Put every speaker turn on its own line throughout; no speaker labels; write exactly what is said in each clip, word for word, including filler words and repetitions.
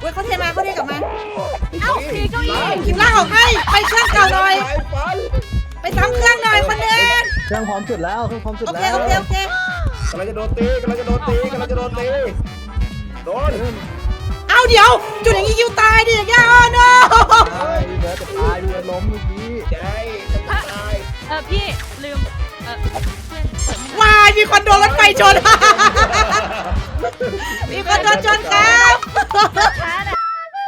อุ้ยเขาเทมาเขาเทกลับมา
เอ้าทีเก้าอี้
คิมล่างออกให้ไปเครื่องเก่าหน่อยไปซ้ำเครื่องหน่อยคนเดิน
เครื่องพร้อมจุดแล้วเครื่องพร้อมจุด
โอเค
แล้ว
โอเคโอเค
กำลังจะโดนตีกำลังจะโดนตีกำลังจะโดนตีโดน
เอาเดี๋ยวจุดอย่างนี้คิวตายดิอย่างเงี้ยอ๋อ no
ตายเนื้อจะตายเนื้อล้มเมื่อกี้
ใช่จะตาย
เออพี่ลืมเออเพื่อนเปิดไม่ได้
วายมีคนโดนรถไฟชน มีคนโดนชนครับ
ช้าน่ะ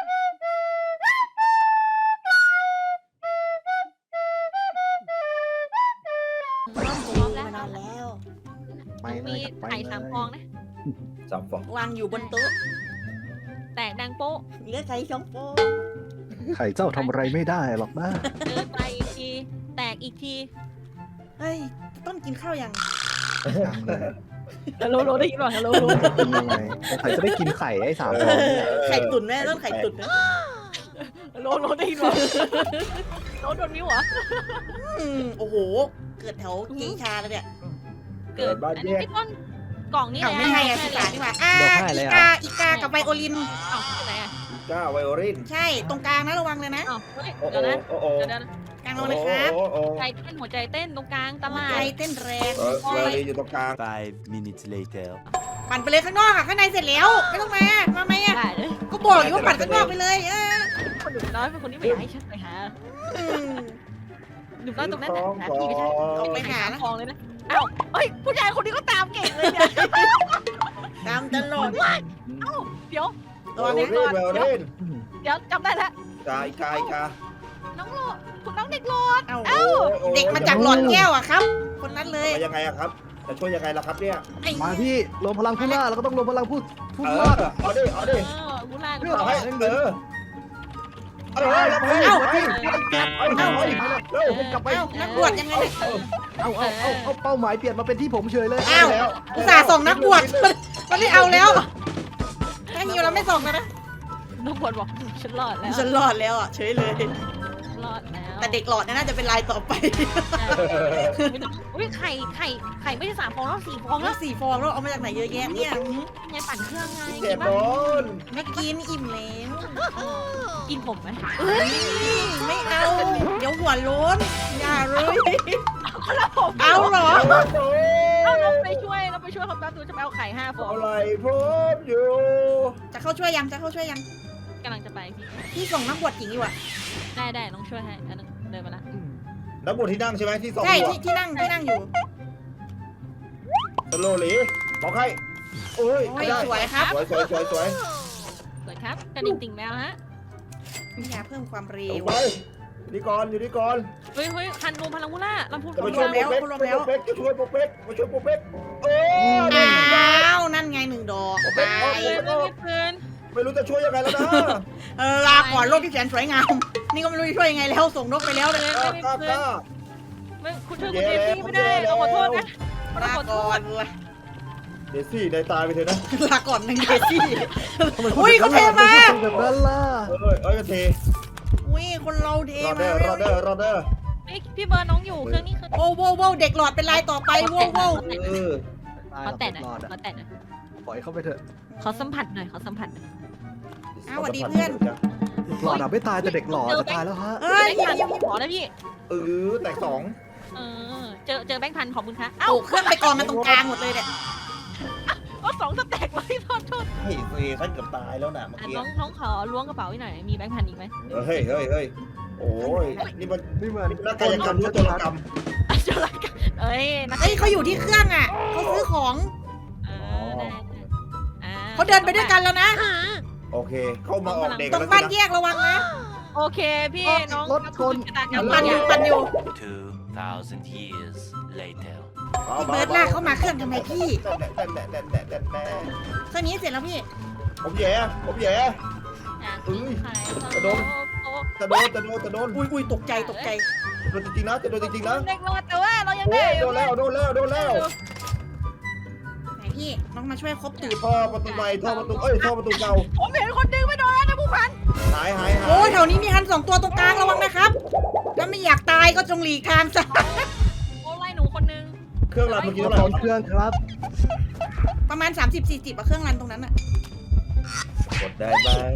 พร้อมแล้วพร้อมแล้ว
ไป
หนู
เลย
มี
ครับไป
ไข่
เลย
สามฟองนะ
สามฟอง
วางอยู่บนโต๊ะ
แตกดังโป๊ะ
เหลือไข่สองฟอง
ไข่เจ้าทำอะไรไม่ได้หรอกนะ
เดินไปอีกทีแตกอีกที
เฮ้ยต้นกินข้าวยัง
ยังเลย
ฮัลโหลได้ยินป่ะฮัลโหล
จะกินยังไงไข่จะได้กินไข่ไอ้สามฟองเนี่ย
ไข่ตุ๋นแม่ต้นไข่ตุ๋นนะ
ฮัลโหลได้ยินป่ะโดนโดนมิ้วเหรอ
อืมโอ้โห เกิดแถวกีชาแล้วเนี่ย
เกิดอันนี้พี่ต้นกล่องนี่
เอา
แหละ
ไม่ให้อะสิบาทดีกว่าอ่าอีกาอีกากับไวโอลิน
เอ้าที่ไหนอ่ะ
ก้าไวโอลิน
ใช่ตรงกลางนะระวังเลยนะ
เอ้าเฮ้ย
โอ้
เดี๋ยวนะ
โอ้โอ้
เดี๋ยวนะ
กลางระวังเลยครับ
โอ้โอ้
ใจเต้นหัวใจเต้นตรงกลางตลา
ใจ
ด
เต้นแรง
เออไวโอลินอยู่ตรงกลาง
Five minutes later.
ปั่นไปเลยข้างนอกอ่ะข้างในเสร็จแล้วไม่ต้องมามาไหมอ่ะ
ได้เลย
ก็บอกอยู่ว่าปั่นข้างนอกไปเลยเออ
คนหนุ่มน้อยเป็นคนที่ไม่อยากให้ฉันไปหา
อืม
หนุ่มน้อยตรงนั้นน่ะหาที่ไม่ใช่
ออกไปหา
ทองเลยนะเอ้าเฮ้ยผู้ชายคนนี้ก็ตามเก่งเลยเนี่ย
ตามตลอด
เอ้าเดี๋ยว
ไวโอลินไวโอลิน
เดี๋ยวจำได้แล้ว
กายกายกา
น้องโลดคุณน้องเด็กโลด
เอ้า
เอ้า
เด็กมาจากหลอดแก้วอ่ะครับ คนนั้นเลย
มายังไงอะครับจะช่วยยังไงล่ะครับเนี่ย
ไอ้
มาพี่รวมพลังผู้ล่าแล้วก็ต้องรวมพลังผู้ผู้
เอ
ล่า
อเอาดิเอาดิ
เออมูลา
เอาให้เออเอาเลยรับให้
เอ้า
เอาให้เอาให้เอาให้เร็ว
กลับไป
เอ้านักบวชยังไงเนี่ย
เอาเอาเอาเอาเป้าหมายเปลี่ยนมาเป็นที่ผมเฉยเลย
อ้าวอุตส่าห์ส่งนักบวชมันไม่เอาแล้วถ้าหิวเราไม่ส่งแล้วนะ
น้องบอลบอกฉันรอดแล้ว
ฉันรอดแล้วอ่ะเฉยเลย
รอดแล้ว
แต่เด็กหลอดน่าจะเป็นลายต่อไป
ไม่ต้องอุ้ยไข่ไข่ไข่ไม่ใช่สามฟองแล้วสี่ฟอง
แล้
แล้ว ว
สี่ฟองแล้วเอามาจากไหนเยอะแยะเนี่ย
ไงปั่นเครื่องไง
เจ็
กิ
บ
น
โด
บ้าง
น
ไม่กินอิ่มแล้ว
กินผมไหม
ไม่เอา เดี๋ยวหัวโล้นอย่าเลย
แล้วผม
เอาเหรอ
เอาเราไปช่วยเราไปช่วยเขาแป๊บนึงจะไปเอาไข่ห้าฟอง
อะไรพบอยู่
จะเข้าช่วยยังจะเข้าช่วยยัง
กำลังจะไปพี่
พี่ส่งนักบวชหญิงอยู่อ่ะ
ได้ได้น้องช่วยให้อันนึงเดินมาละ
นักบวชที่นั่งใช่ไหมที่สอง
ใช่
หัว
ที่ที่นั่งที่นั่งอยู่
สโลหลีบอกให้โอ้ย
โอ้
ไม่
ย
ได้
สวยครับ
สวยสวยสวยสวย
สวยครับกระดิ่งติ่งแมวฮะ
มียาเพิ่มความเร็
เอา
ว
ไปอยู่นี่ก่อนอยู่นี่ก่อน
เฮ้ยเฮ้ยคันรวมพลังมูล่าลำพูน
จะ
พ
มา
ลัง
ช่วย
มู
โป
ล่า
กเป๊กจะโปกเป๊กจะช่วยโปกเป๊กมาช่วยโปกเป๊กโอ้ย
อ้าวนั่นไงหนึ่งดอกไป
เลยไม่มีปืน
ไม่รู้จะช่วยยังไงแล้วนะ
เออลาก่อนโลกที่แสนสวยงาม นี่ก็ไม่รู้จะช่วยยังไงแล้วส่งนกไปแล้วเลย
กล้ากล้ากล้า
ไม่คุณช่วยคุณเจซี่ไม่ได้เราขอโทษนะเรา
ลา
ขอโท
ก่อ
ษ
นเลย
เดซี่ในตายไปเถอะนะ
ลาก่อนหนึ่งเดซี่อุ้ยเขาเทมา
แบบนั้นล่ะ
เอ้ยเอ้ยเท
อุ้ยคนเราเท
รอเด
มา
อร์รอเดอร์รอเดอร์
พี่เบิร์ดน้องอยู่เครื่องนี้คือ
โอ้โหโว้เด็กหลอดเป็นลายต่อไปโว้โว้
เออ
ขอแตะหน่อย
รอดอะ
ขอแตะหน่อย
ปล่อยเข้าไปเถอะ
ขอสัมผัสหน่อยขอสัมผัสหน่อย
อ้าวสวัสดีเพื่อน
หลอดอะไม่ตายแต่เด็กหลอดจะตายแล้วฮะ
เอ้ย
แบงค์พันขอนะพี่
เออแตกสอง
เออเจอเจอแบงค์พันขอบคุณค่ะ
เอ้า
เอ้า
เครื่องไปกองกันตรงกลางหมดเลยเนี่ย
ก็สองสแต็กเลยโทษโทษ
เฮ้ยเฮ้ยฉันเกือบตายแล้วนะเมื่อ
อ่ะ
กี้
น้องน้องขอล้วงกระเป๋าให้หน่อยมีแบงค์พันอีกไหม
เฮ้ยเฮ้ยเฮ้ยโอ้ยนี่มัน
นี่เหมือน
นักกายกรรมหรือตัวกรรม
อ่ะเจออะไรกันเอ้ยนัก
เอ้ยเขาอยู่ที่เครื่องอ่ะเขาซื้อของ
เออได้ได้อ่
เขาเดินไปด้วยกันแล้วนะ
โอเค เข้ามาออกเด็ก
ตรง
แล้ว
บ้าน
สิ
แยกระวังนะ
โอเคพี่น้อง
รถชน
ชะตากรรม
ปั่นอยู่ปั่นอยู่
Two thousand years later.
พี่เบิร์ดลากเข้ามาเครื่องทำไมพี่
แน่แน่แน่แน่แน่แน่
เครื่องนี้เสร็จแล้วพี่
ผมแย่ผมแย่
อ่ะทิ้งไข่
กระโดด
โต๊ะ
จะโดนจะโดนจะโดน
อุ้ยอุ้ยตกใจตกใจ
โดนจริงๆนะจะโดนจริงๆนะ
เด็กรอดแต่ว่าเรายัง
โอ้
ได้
ยโดนแล้วโดนแล้วโดนแล้ว
ไหนพี่น้องมาช่วยครบตูด
ท่อประตูใหม่ท่อประตูเอ้ยท่อประตูเก่า
ผมเห็นคนดึงไม่โดนแล้วนะผู้พัน
หายหายหาย
โอ้ยแถวนี้มีฮันสองตัวตรงกลางระวังนะครับถ้าไม่อยากตายก็จงหลีกทางซะ
โอ้ไล่หนูคนนึง
เครื่องรันเมื่อกี้
พ
เท่าไหร่
ร้อมเครื่องครับ
ประมาณ สามสิบสี่สิบอะเครื่องรันตรงนั้นอะ
กดได้ไหม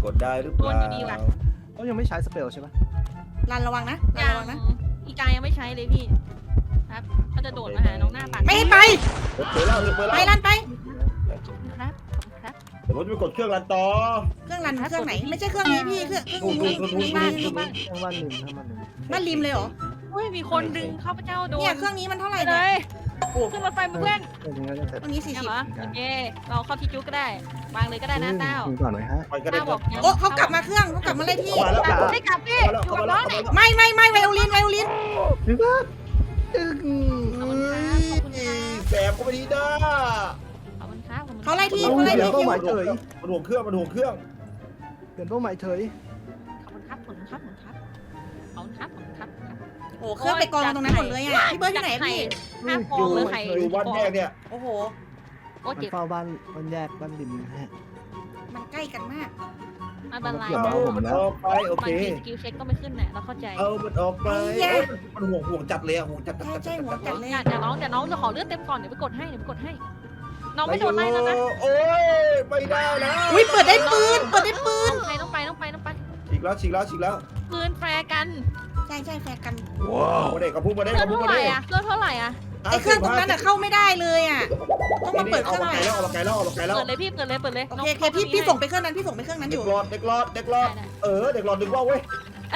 กดได้หรือเปล่า
วนอยู่ดีว่ะ
เขายังไม่ใช้สเปลใช่ไหม
รันระวังนะรัน
ยัง
ระวังนะ
อีกายังไม่ใช้เลยพี่ครับเขาจะโดดมาหาน้องหน้าปาก
ไม่ให้ไป
เปิดแล้วเปิด
ไป
แล้ว
รันไป
ครับครับ
เดี๋ยวผมจะไปกดเครื่องรันต่อ
เครื่องรันเครื่องไหน ไม่ใช่เครื่องนี้พี่เครื่องเครื่องนี้
นู่นนู่นนู่น
บ้าน
นู่น
บ้าน
ทั้งวันหนึ่งทั้งวันหนึ่ง
บ้านริมเลยเหรอ
อุ้ยมีคนดึงข้าพเจ้าโดน
เนี่ยเครื่องนี้มันเท่าไหร่
ไปเล
เนี่ย
ยขึ้นรถไฟมาเพื่อน
เออยังไงก็เสร็จ
เครื่องนี้สี่
เนี่ย
สิบ
เหรอโอเคเราเข้าที่จุ๊กก็ได้วางเลยก็ได้นะเต้า
คุยก่อนหน่อยฮะ
ไปก็ได้
เต้าบอกยัง
โอ้เขากลับมาเครื่องเขากลับมาเลยพี่
มาแล้ว
กลับไม่กลับพี่อยู่กับน้องเนี่ย
ไม่ไม่ไม่ไวโอลินไวโอลิน
พี่ว่าตึง
ขอบคุณครับขอบคุณครับ
แสบก็ไม่ดีนะ
ขอบคุณครับขอบคุณครับ
เขาไล่ที่
เอา
เขาไล่
เปลี่ย
ที่
นเป้าหมายเฉย
มันห่วงเครื่องมันห่วงเครื่อง
เปลี่ยนเป้าหมายเฉย
ขอบคุณครับขอบคุณครับขอบคุณครับขอบคุณครับขอบคุณครับ
โอ้เครื่องไปกองตรงนั้นหมดเลยอ่ะพี่เบิร์ดที่ไหนพี่
ห้าฟองเลยไข่
อยู่บ้านแยกเนี่ย
โอ้โห
โอ้
มัน
เจ็บ
เฝ้าบ้านบ้านแยกบ้านริมนะฮะ
มันใกล้กันมาก
ไม่เป็นไร
เดี๋ยว
เอา
มา
มันออกไปโอบ
าง
เค
ทีสกิลเช็คก็ไม่ขึ้นแหละเราเข้าใจ
เอามันออกไปเอ้ยมันห่วงห่วงจัดเลยอะห่วงจัดจัด
ใช่
จัด
ใช่หัวจัดเลย
เดี๋ยวน้องเดี๋ยวน้องจะขอเลือดเต็มก่อนเดี๋ยวไปกดให้เดี๋ยวไปกดให้ น้องไม่โดนไล่แล้วนะ
โอ้ยไม่ได้นะ
อุ้ยเปิดได้ปืนเปิดได้ปืน
ต้องไปต้องไปต้องไปต้องไป
ฉีกแล้วฉีกแล้วฉีกแล้ว
ปืนแฟร์กัน
ใช่ใช่แฟร์กัน
มาเด็กกับพุ่งมาเด็ก
เลือ
กั
ด
บพุ่ง
เท่า
มา
ไหร่
เด็ก
อะเลือดเท่าไหร่อะ
ไอเครื่องตรงนั้นอะเข้าไม่ได้เลยอ่ะต้องมาเปิดเค
เอา
รื่อง
มา
ใหม่
ไกลแล้วเอามาไกลแล้วเอามาไกลแล้ว
เปิดเลยพี่เปิดเลยเปิดเลย
โอเคโอเคพี่พี่ส่งไปเครื่องนั้นพี่ส่งไปเครื่องนั้นอ
เด็ก
ยู่
หลอดเด็กหลอดเด็กหลอดเออเด็กหลอดดึงว่าวเว้ย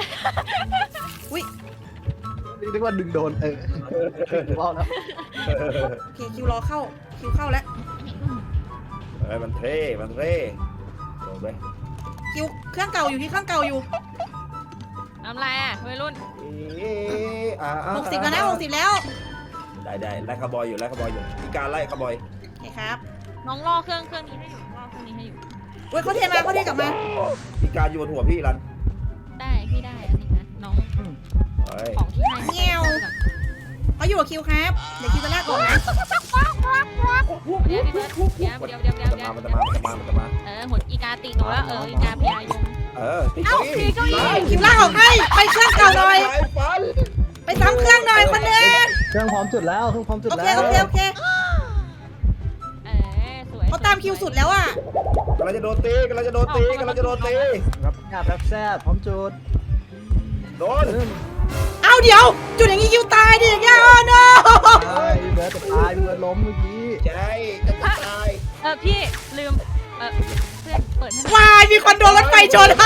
นี่เรียกว่าดึงโดนเออดึงว่าวแล้ว
โอเคคิวรอเข้าคิวเข้าแล้ว
เอ้ยมันเท่มันเท่ลงไป
คิวเครื่องเก่าอยู่ที่เครื่องเก่าอยู่
ทำไรอะวัยรุ่น
หกสิบแล้วนะหกสิบแล้ว
ได้ได้ไล่คาร์บอยอยู่ไล่คาร์บอยอยู่มีการไล่คาร์บอย
โอเคครับ
น้องล่อเครื่องเครื่องนี้ให้อยู่ล่อเครื่องนี้ให้อยู่
เว้ยเขาเทมาเขาเทกลับมา
มีการโยนหัวพี่รัน
ได้พี่ได้อันนี้นะน้อง
เฮ้ย
ของที่ให้
เขาอยู่กับคิวครับเดี๋ยวคิวจะลากก่อนนะ
เดี๋ยวพี่เบิร์ดเดี๋ยวเดี๋ยวเดี๋ยวเดี๋ยว
มัน
เดี๋
จะ
ยว
มามันจะมามันจะมามันจะมา
เออหัวอีกาตีตัวแล้วเอออีกาพยายง
เออตี
เอ้า
เก้าอี้
ตีเก้าอี้
คิวลากออกให้ไปเครื่องเก่าหน่อย
ไฟฟัน
ไปซ้ำเครื่องหน่อยคนหนึง
เครื่องพร้อมจุดแล้วเครื่องพร้อมจุด
โอเค
แล้ว
โอเคโอเค
เออสวย
เขาตามคิวสุดแล้วอ่ะ
กำลังจะโดนตีกำลังจะโดนตีกำลังจะโดนตี
รับแซบรับแซบพร้อมจุด
โดน
เริ่ม
เอาเดี๋ยว จุดอย่างนี้คิวตายดิอย่างเงี้ยอ๋อ no
ตายพี่เบิร์ดจะตายพี่เบิร์ดล้มเมื่อกี้
ใช่จะตาย
เออพี่ลืมเออเพื่อนเปิดให้หน่อย
วายมีคนโดนรถไฟชน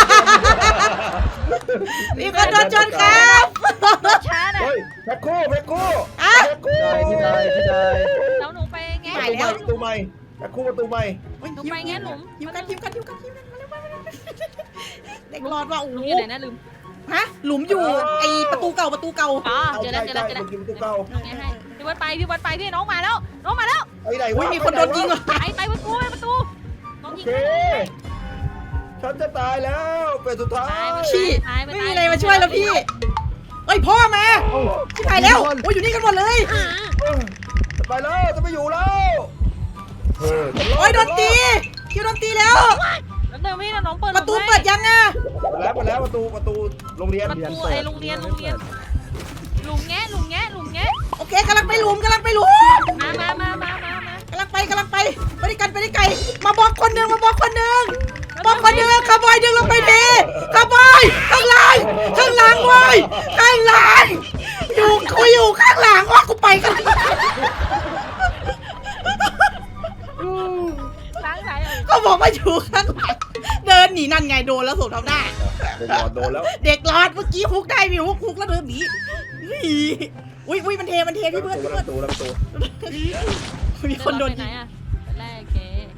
มีคนโดนชนครับ
รถช้าน่ะ
เฮ้ยแพ็คคู่แพ็คคู่
อ่ะ
แพ็คคู่
ได้พี่ได้พี่ได้
แล้วหนูไปแง่
หายแล้ว
ประตูใหม่แพ็คคู่ประตูใหม่
หนูไปแง่หลุม
คิวกันคิวกันคิวกันคิวกันมาเร็วมาเร็วมาเร็วเด็กรอดว่าโอ้
ห
โห
ลุมอยู่ไหนนะลืม
ฮะหลุมอยู่ไอประตูเก่าประตูเก่า
อ๋อเจอแล้วเจอแล้วเจอแล้ว
เมื่อกี้ประตูเก่า
แง่ให้พี่วัดไปพี่วัดไปพี่น้องมาแล้วน้องมาแล้ว
ไอ้ไหน
อุ้
วะ
ยมีคนโดนยิงเหรอ
ไปไปประตูไปประตูน้อง
โอ
ยิง
เคฉันจะตายแล้วเป็นสุดท้าย
พี่ไม่มีอะไรมาช่วยแล้วพี่เอ้ยพ่อมาชิบหายแล้วโอ้ยอยู่นี่กันหมดเลย
จะไปแล้วจะไม่อยู่แล้วเออ
โอ้ยโดนตีคิวโดนตีแล้ว
แล้วเดินพี่น้องเปิด
ประตูเปิดยังอ่ะ
หมดแล้วหมดแล้วประตูประตูโรงเรียน
ประตูไอ้โรงเรียนโรงเรียนหลุมแง่หลุมแง่หลุมแง่
โอเคกำลังไปหลุมกำลังไปหลุม
มามามามามา
กำลังไปกำลังไปไปด้วยกันไปด้วยไกลมาบอกคนหนึ่งมาบอกคนหนึ่งบอกคนหนึ่งคาร์บอยดึงลงไปดีคาร์บอยข้างหลังข้างหลังเว้ยข้างหลังอยู่กูอยู่ข้างหลังว่ากูไปกัน
ล้างไหน
เขาบอกว่าอยู่ข้างหลังเดินหนีนั่นไงโดนแล้วสวมทำหน้า
เด็กหลอดโดนแล้ว
เด็กรอดเมื่อกี้ฮุกได้มีฮุกฮุกแล้วเดินหนีอุ้ยอุ้ยมันเทมันเทพี่เบิร์ดพี่เบิร์ด
ประตูประตู
มีคนโดน
ไหน
ยิง
อ่ะแรกเก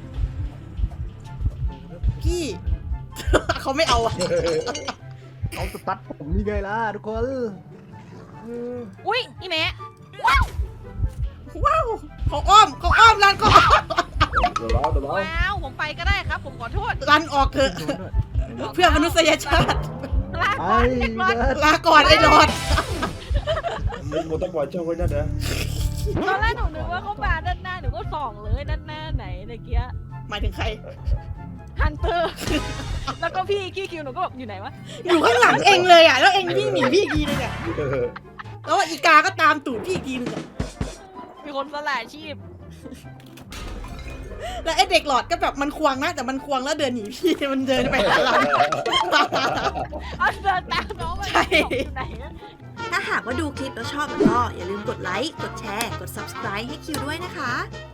พี่ เขาไม่เอาอะ
เอาสตัดผมนี่ไงล่ะทุกคน
อุ้ยอีแม่
ว้าวเขาอ้อมเขาอ้อมรันเขาอ้อม
เดี๋ยวรอเดี๋ยวรอ
ว้าวผมไปก็ได้ครับ ผมขอโทษ
รันออกเถอะเพื่อมนุษยชาติ
ลา
ไอ้
ก่อนเด็กรอด
เบิร์ด
ลาก่อนไอ้รอด
มึงมึงต้องปล่อยเจ้าไว้นั่นนะ
ตอนแรกหนูนึกว่าเขามาด้านหน้าหนูก็ส่องเลยด้านหน้าไหนเมื่อกี้
หมายถึงใคร
ฮันเตอร์ แล้วก็พี่กี้คิวหนูก็แบบอยู่ไหนวะ
อยู่ข้างหลังเองเลยอ่ะแล้วเองวิ่งหนีพี่อีกทีนึงอ่ะแล้วอีกาก็ตามตูดพี่อีกทีนึงอ่ะ
มีคนสละชีพ
แล้วไอ้เด็กหลอดก็แบบมันควงนะแต่มันควงแล้วเดินหนีพี่มันเดินไปหาเรา
เอาเดินตามน้องไป
ใช่
อยู่ไหนอะ
ถ้าหากว่าดูคลิปแล้วชอบก็อย่าลืมกดไลค์ กดแชร์ กด ซับสไครบ์ ให้คิวด้วยนะคะ